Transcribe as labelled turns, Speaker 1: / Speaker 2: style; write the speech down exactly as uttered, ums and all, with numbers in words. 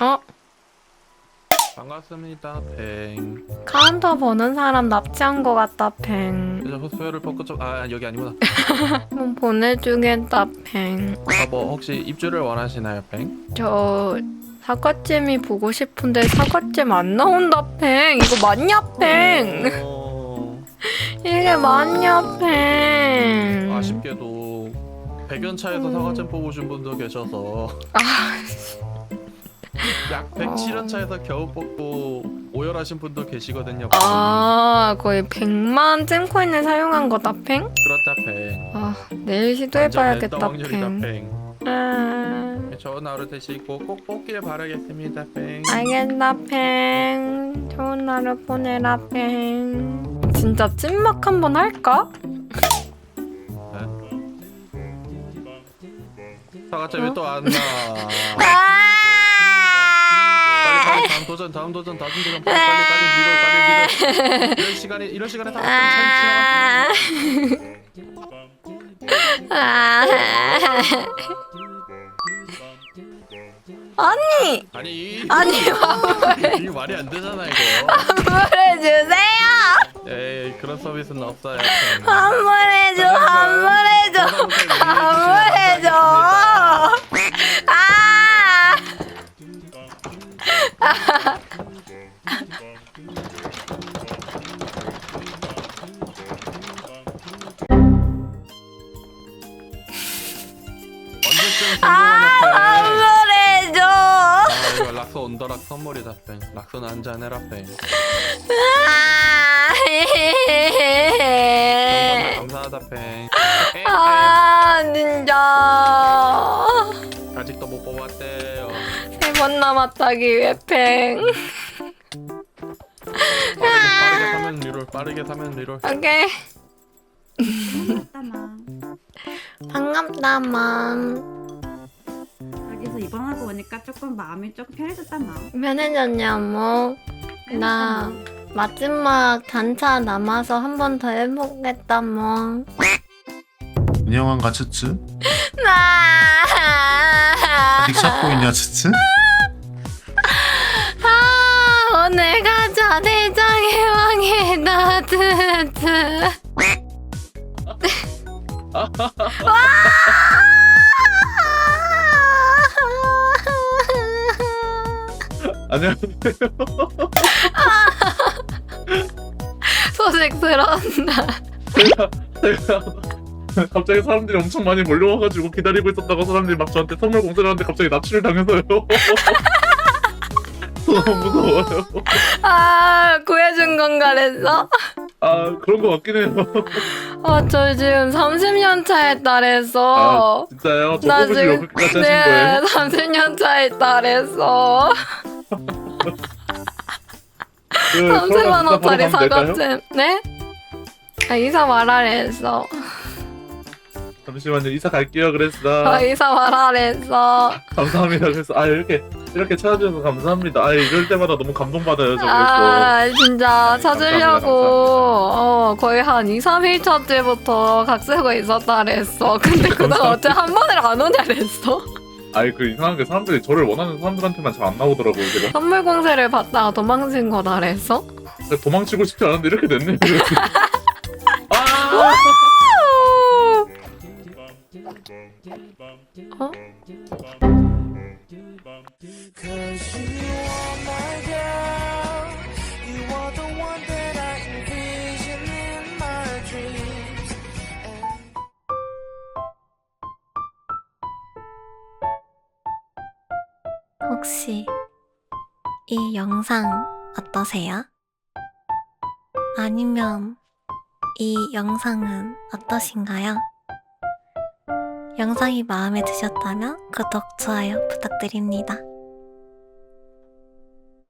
Speaker 1: 어?
Speaker 2: 반갑습니다, 팽.
Speaker 1: 카운터 보는 사람 납치한 거 같다, 팽.
Speaker 2: 그래서 소열을 벗고 좀, 아, 여기 아니구나.
Speaker 1: 좀 보내주겠다, 팽.
Speaker 2: 아, 뭐 혹시 입주를 원하시나요, 팽?
Speaker 1: 저 사과잼이 보고 싶은데 사과잼 안 나온다, 팽. 이거 맞냐, 팽?
Speaker 2: 어...
Speaker 1: 이게 맞냐, 팽?
Speaker 2: 아쉽게도 백연차에서
Speaker 1: 음.
Speaker 2: 사과잼 뽑으신 분도 계셔서
Speaker 1: 아,
Speaker 2: 약 백칠 연차에서 겨우 뽑고 오열하신 분도 계시거든요. 팽.
Speaker 1: 아 거의 백만 잼코인을 사용한 거다, 팽?
Speaker 2: 그렇다, 팽.
Speaker 1: 아, 내일 시도해봐야겠다,
Speaker 2: 확률이다,
Speaker 1: 팽.
Speaker 2: 팽.
Speaker 1: 아,
Speaker 2: 좋은 하루 되시고 꼭 뽑길 바라겠습니다, 팽.
Speaker 1: 알겠다, 팽. 좋은 하루 보내라, 팽. 진짜 찐막 한번 할까?
Speaker 2: 사과잼이
Speaker 1: 어?
Speaker 2: 또 안 나.
Speaker 1: 아!
Speaker 2: 빨리 빨리 다음 도전 다음 도전 다음 도전 빨리 빨리 빨리 밀어 빨리 밀어. 이런 시간에 이런 시간에 사과잼
Speaker 1: 아! 아! 아니!
Speaker 2: 아니
Speaker 1: 아니, 환불해,
Speaker 2: 이게 말이 안 되잖아 이거.
Speaker 1: 환불해주세요!
Speaker 2: 에이 그런 서비스는 없어요.
Speaker 1: 환불해줘, 환불해줘, 환불해줘! 아!
Speaker 2: 언제쯤
Speaker 1: 아,
Speaker 2: 성공하냐
Speaker 1: 환불해줘!
Speaker 2: 아 이거 락서 온더락 선물이다 뺑. 락서는 한잔 해라 뺑. 정말 감사하다 뺑.
Speaker 1: 아, 진짜.
Speaker 2: 아직도 못 뽑았대요.
Speaker 1: 세 번 남았다기 위해 팽.
Speaker 2: 빠르게 빠르게 사면 리롤 빠르게 사면 리롤.
Speaker 1: 오케이.
Speaker 3: 따마.
Speaker 1: 반갑다, 맘.
Speaker 3: 여기서 입원하고 오니까 조금 마음이 조금 편해졌다 마.
Speaker 1: 편해졌냐, 뭐. 나 마지막 단차 남아서 한 번 더 해보겠다, 뭐.
Speaker 4: 안녕한가 츠츠?
Speaker 1: 나.
Speaker 4: 아직 찾고 있냐 츠츠?
Speaker 1: 아, 오늘 가자, 대장의 왕이다, 트트.
Speaker 4: 안녕하세요.
Speaker 1: 소식스러운다.
Speaker 4: 제가 제가 갑자기 사람들이 엄청 많이 몰려와가지고 기다리고 있었다고 사람들이 막 저한테 선물 공세를 하는데 갑자기 납치를 당해서요. 너무 무서워요.
Speaker 1: 아, 구해준 건가 그랬어?
Speaker 4: 아 그런 거 같긴 해요.
Speaker 1: 아, 저 지금 삼십 년 차에 달해서.
Speaker 4: 아 진짜요? 저
Speaker 1: 나
Speaker 4: 뽑으시려고
Speaker 1: 지금
Speaker 4: 그렇게까지 하신 거예요?
Speaker 1: 네, 삼십 년 차에 달해서
Speaker 4: 그,
Speaker 1: 삼십만 원짜리
Speaker 4: 바로 가면 될까요?
Speaker 1: 사과잼. 네? 아, 이사 말하랬어.
Speaker 4: 잠시만요. 이사 갈게요. 그랬어.
Speaker 1: 아, 이사 말하랬어.
Speaker 4: 감사합니다. 그래서 아 이렇게 이렇게 찾아주셔서 감사합니다. 아 이럴 때마다 너무 감동받아요. 저 그래서.
Speaker 1: 아, 진짜 찾으려고
Speaker 4: 감사합니다,
Speaker 1: 어, 거의 한 이, 삼 일 차째부터 각 쓰고 있었다 그랬어. 근데 그다음 어째 한 번을 안 오냐 그랬어.
Speaker 4: 아이 그 이상한 게 사람들이 저를 원하는 사람들한테만 잘 안 나오더라고요. 제가
Speaker 1: 선물 공세를 받다가 도망친 거다 그랬어.
Speaker 4: 도망치고 싶지 않은데 이렇게 됐네요. 아!
Speaker 1: 어?
Speaker 5: Cause you are my girl. You are the one that I envision in my dreams. And
Speaker 6: 혹시 이 영상 어떠세요? 아니면 이 영상은 어떠신가요? 영상이 마음에 드셨다면 구독, 좋아요 부탁드립니다.